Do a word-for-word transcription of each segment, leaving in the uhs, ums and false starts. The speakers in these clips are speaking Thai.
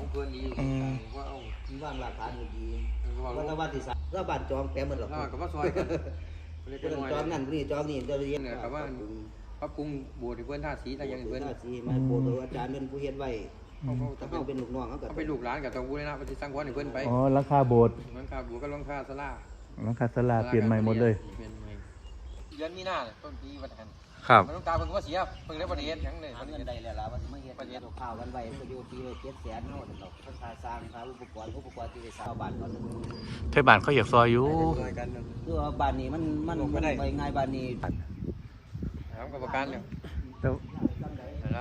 เพื่อนดีอยู่ว่าเอามีว่างหลักฐานอยู่ดีว่าตะวันที่สามก็บ้านจองแต้เหมือนหรอกแล้วก็ว่าซอยกันจองนั่นนี่จองนี่จะเรียนเนี่ยกับว่าพระปรุงโบสถ์เพื่อนท่าสีอะไรอย่างเพื่อนท่าสีมาโบสถ์อาจารย์เป็นผู้เฮ็ดไว้ถ้าเขาเป็นลูกน้องเขาก็เป็นลูกหลานกับตองบูรณะปฏิสังขรณ์ให้เพื่อนไปอ๋อหลังคาโบสถ์หลังคาโบสถ์ก็หลังคาศาลาหลังคาศาลาเปลี่ยนใหม่หมดเลยเปลี่ยนใหม่เดือนมีนาต้นปีวันหันครับมันต้องตาเพิ่งว่าเสียเพิ่งได้ประเดี๋ยวยังเลยหาเงินได้แล้วล่ะว่าสิมาเฮ็ดประโยชน์ข้าววันไว้ประโยชน์ปีละเจ็ดแสนเนาะดอกค่าสร้างค่าอุปกรณ์อุปกรณ์ที่ได้สร้างบ้านก่อนไทยบ้านเขาอยากซอยอยู่คือว่าบ้านนี้มันมันมันไปง่ายบ้านนี้ถามกับประกันเนี่ยแล้วแล้ว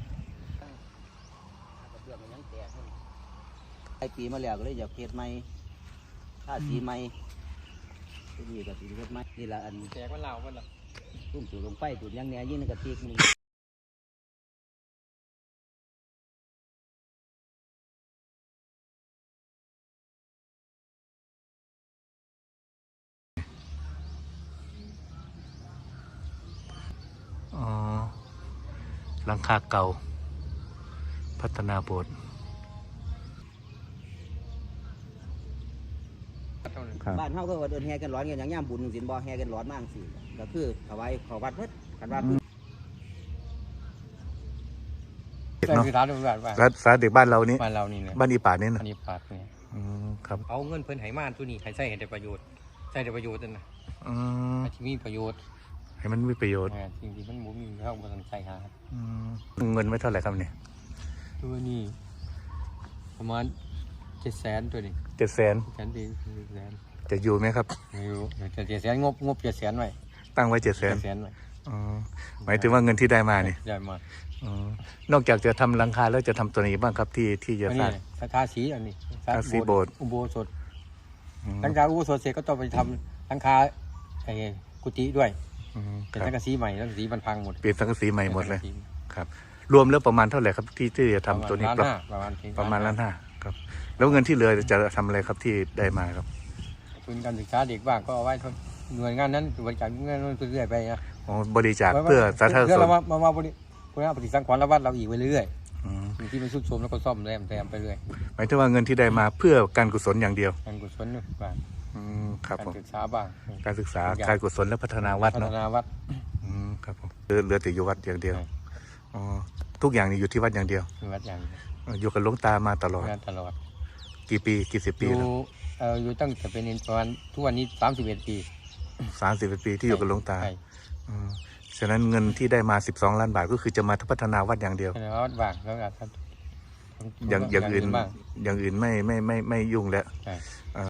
ไอ้ปีมาแล้วก็เลยอยากเฮ็ดใหม่ท่าสีใหม่ที่นี่ก็สิเฮ็ดใหม่นี่ล่ะอันแจกมันเหล่ามันหรอทุ่มจุดลงไปจุดยังแหน่ยิ่งในกระติกนี่อ๋อหลังคาเก่า พัฒนาโบสถ์ครับบ้านเฮาก็ว่าเดินแห่กันร้อนกันอย่างย่ามบุญสินบ่แห่กันร้อนมากสิก็คือถวายเข้าวัดเพิ่นกันว่าเด็กใช่เนาะคือร้านบ้านบ้านรัฐสาเด็กบ้านเรานี้บ้านเรานี่เนี่ยบ้านอีป่านี่อันะนนี้ปากเนี่ยอืมครับเอาเงินเพิ่นไหมานตัวนี้ให้ใช้ให้ได้ประโยชน์ใช้ได้ประโยชน์นั่นนะอืมที่มีประโยชน์ให้มันมีประโยชน์จริงๆมันหมูมีเข้ามาสนใจหาอืมเงินไว้เท่าไหร่ครับเนี่ยตัวนี้ประมาณเจ็ดแสนตัวนี้เจ็ดแสนแสนดีแสนจะอยู่ไหมครับไม่รู้แต่เจ็ดแสนงบงบเจ็ดแสนไว้ตั้งไว้เจ็ดแสนเจ็ดแสนไว้อ๋อหมายถึงว่าเงินที่ได้มาเนี่ยได้มาอ๋อนอกจากจะทำหลังคาแล้วจะทำตัวนี้บ้างครับที่ที่จะอันสนี้ร้างสังฆาสีอันนี้ทาสีโบสถ์อุโบสถอืมหลังจากอุโบสถเสร็จก็ต้องไปทำหลังคาไอ้กุฏิด้วยอืมคเป็นรับสังกะสีใหม่สังกะสีมันพังหมดเปลี่ยนสังกะสีใหม่หมดเลยครับ รวมแล้วประมาณเท่าไหร่ครับที่ที่จะทำตัวนี้ประมาณล้านห้าประมาณประมาณล้านห้าครับ แล้วเงินที่เหลือจะทำอะไรครับที่ได้มาครับทุนการศึกษาเด็กบ้างก็เอาไว้หน่วยงานนั้นบริจาคเงินเรื่อยๆไปนะอ๋อบริจาคเพื่อสาธารณเพื่อสุเราขมามามาบริคุณภาพปฏิสังขรณ์และวัดเราอีกไปเรื่อยอืมๆที่มันสุดโทรมแล้วก็ซ่อมแซมแซมไปเรื่อยหมายถึงว่าเงินที่ได้มาเพื่อการกุศลอย่างเดียวการกุศลบ้างอืมครับการผมศึกษาบ้างการศึกษาการกุศลและพัฒนาวัดพัฒเนาะนาวัดอืมครับผมเหลือเหลือแต่อยู่วัดอย่างเดียวอ๋อทุกอย่างนี่อยู่ที่วัดอย่างเดียววัดอย่างอยู่กับหลวงตามาตลอดงานตลอดกี่ปีกี่สิบอปียู่แล้วเอ่ออยู่ตั้งแต่เป็นประมาณทุกวันนี้สามสิบเอ็ดปีสามสิบปีที่อยู่กับหลวงตาใช่อืมฉะนั้นเงินที่ได้มาสิบสองล้านบาทก็คือจะมาพัฒนาวัดอย่างเดียวพัฒนาวัดบ้างแล้วก็ทำอย่างอย่างอื่นบ้างอย่างอื่นไม่ไม่ไม่ไม่ยุ่งแล้วใช่